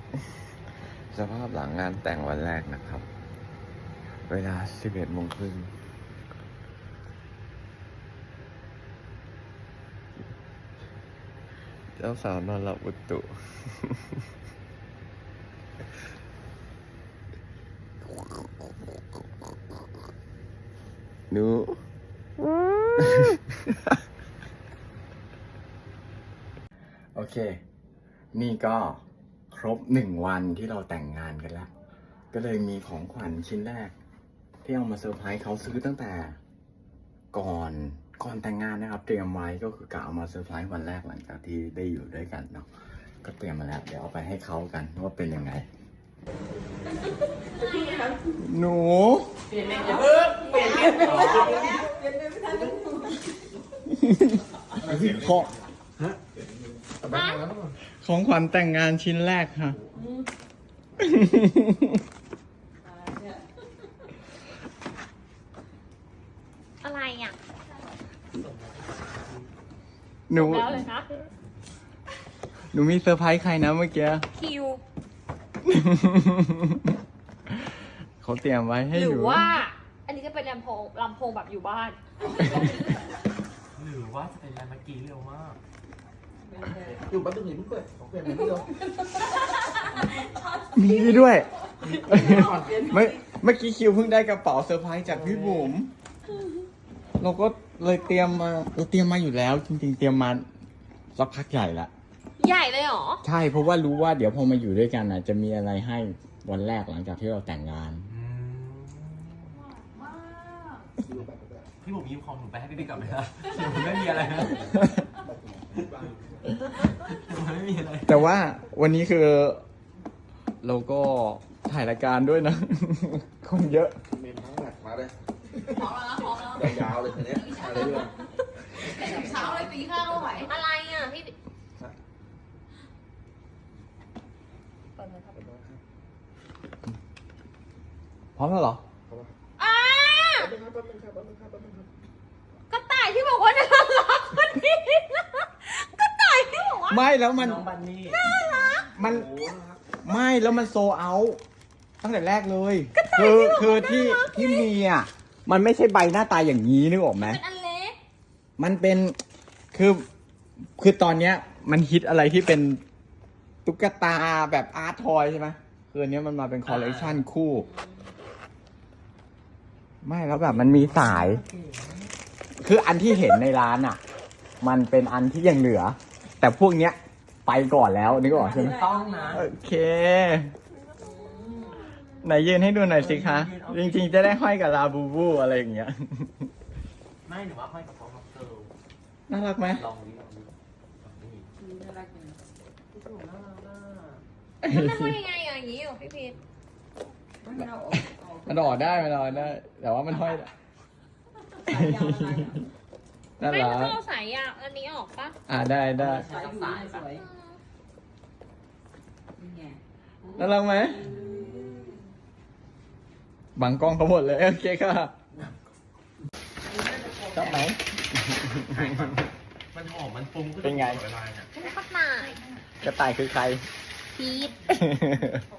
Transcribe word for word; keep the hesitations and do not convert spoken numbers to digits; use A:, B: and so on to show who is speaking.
A: สภาพหลังงานแต่งวันแรกนะครับ เวลาสิบเอ็ดโมงครึ่งเจ้าสาวนอนหลับอุตุ หนู โอเค นี่ก็ครบหนึ่งวันที่เราแต่งงานกันแล้ว ก็เลยมีของขวัญชิ้นแรก ที่เอามาเซอร์ไพรส์เขาซื้อตั้งแต่ก่อนก่อนแต่งงานนะครับ เตรียมไว้ก็คือกะเอามาเซอร์ไพรส์วันแรกหลังจากที่ได้อยู่ด้วยกันเนาะก็เตรียมมาแล้ว เดี๋ยวเอาไปให้เขากันว่าเป็นยังไง หนูเปลี่ยนเปลี่ยนเปลี่ยนเปลี่ยนเปลี่ยนของของขวัญแต่งงานชิ้นแรกค่ะ
B: อะไรอ่ะ
A: หนู
B: แล้วเลยนะ
A: หนูมีเซอร์ไพรส์ใครนะเมื่อกี้
B: คิว
A: เขาเตรียมไว้ให้
B: ห
A: ห
B: รื
A: นู
B: อว่า อันนี้จะเป็นลำโพงลำโพงแบบอยู่บ้าน
C: หรือว่าจะเป็นอะไรเมื่อกี้เร็วมาก
D: อยู่บ้านตึกหนึ่งเพิ่งเปิดของเปลี่ยนอะไรไม่รู้
A: มีด้วยเมื่อเมื่อกี้คิวเพิ่งได้กระเป๋าเซอร์ไพรส์จากพี่บุ๋มเราก็เลยเตรียมมาเราเตรียมมาอยู่แล้ว จริงๆ เตรียมมาสักพักใหญ่ละ
B: ใหญ่เลยเหรอ
A: ใช่เพราะว่ารู้ว่าเดี๋ยวพอมาอยู่ด้วยกันอ่ะ จะมีอะไรให้วันแรกหลังจากที่เราแต่งงาน
C: พี่ผมยิ้มของหนูไปให้พี่บิ๊กกลับเลยนะหนูไม่มีอะไรนะหนูไม่มีอะไร
A: แต่ว่าวันนี้คือ เราก็ถ่ายรายการด้วยนะ คนเยอะ
D: เมนทั้งหนักมาเลยพร้อมแล้วพร้อมแล้วยาวๆเลยทีนี้อะไรด้วย
B: เช้าเลยตีข้าวไหวอะไรอ่ะพี่เปิดเลยครับ
A: พร้อมแล้วเหรอ
B: อ่า
D: แป๊บนึงครับแป๊บนึงครับแป๊บนึงครับแป๊บนึงครับ
B: กระต่ายที่บอกว่าน่ารักคนนี้กระต่ายที่บอกว่า
A: ไม่แล้วมัน
C: น้องบันนี่
A: มัน
D: โอ้นะครับ
A: ไม่แล้วมันโซเอาตั้งแต่แรกเลย คือคือที่ที่มีอ่ะมันไม่ใช่ใบหน้าตาอย่างนี้นึกออกไหม
B: เป็นอันเล็ก
A: มันเป็นคือคือตอนเนี้ย มันฮิตอะไรที่เป็นตุ๊กตาแบบอาร์ตทอยใช่ไหมคืออันเนี้ยมันมาเป็นคอลเลกชันคู่ ไม่แล้วแบบมันมีสาย คืออันที่เห็นในร้านอ่ะ มันเป็นอันที่ยังเหลือ แต่พวกเนี้ยไปก่อนแล้วนึกออกใช่ไหม
C: ต้องนะ
A: โอเค ไหนยืนให้ดูหน่อยสิคะ จริงๆจะได้ห้อยกับลาบูบูอะไรอย่างเงี้ย
C: ไม่หนูว่าค่อยกับเขากับเกิร์ล
A: น่ารักไหม
C: ลองดิลองดินี่น่ารักจังพี่ถูกน่ารักน่า
B: มันทำยังไงอ่ะอย่างนี้เหรอพี่พีท
A: มันออกได้มันออกได้ แต่ว่ามันห้อยน่า
B: ไม่
A: รั
B: มัน
A: ก
B: ต้องเอาสายยาวอันนี้ออกปะ
A: อ่าได้ได้
C: สายสายสวย
A: น่ารักไหมบังกล้องเขาหมดเลยโอเคค่ะชอบไหม
C: มันหอมมันฟุ้งขึ้
A: เป็นไง
C: ตลอดเวลาเนี่ย
B: กระต่าย
A: กระต่ายคือใคร
B: พีท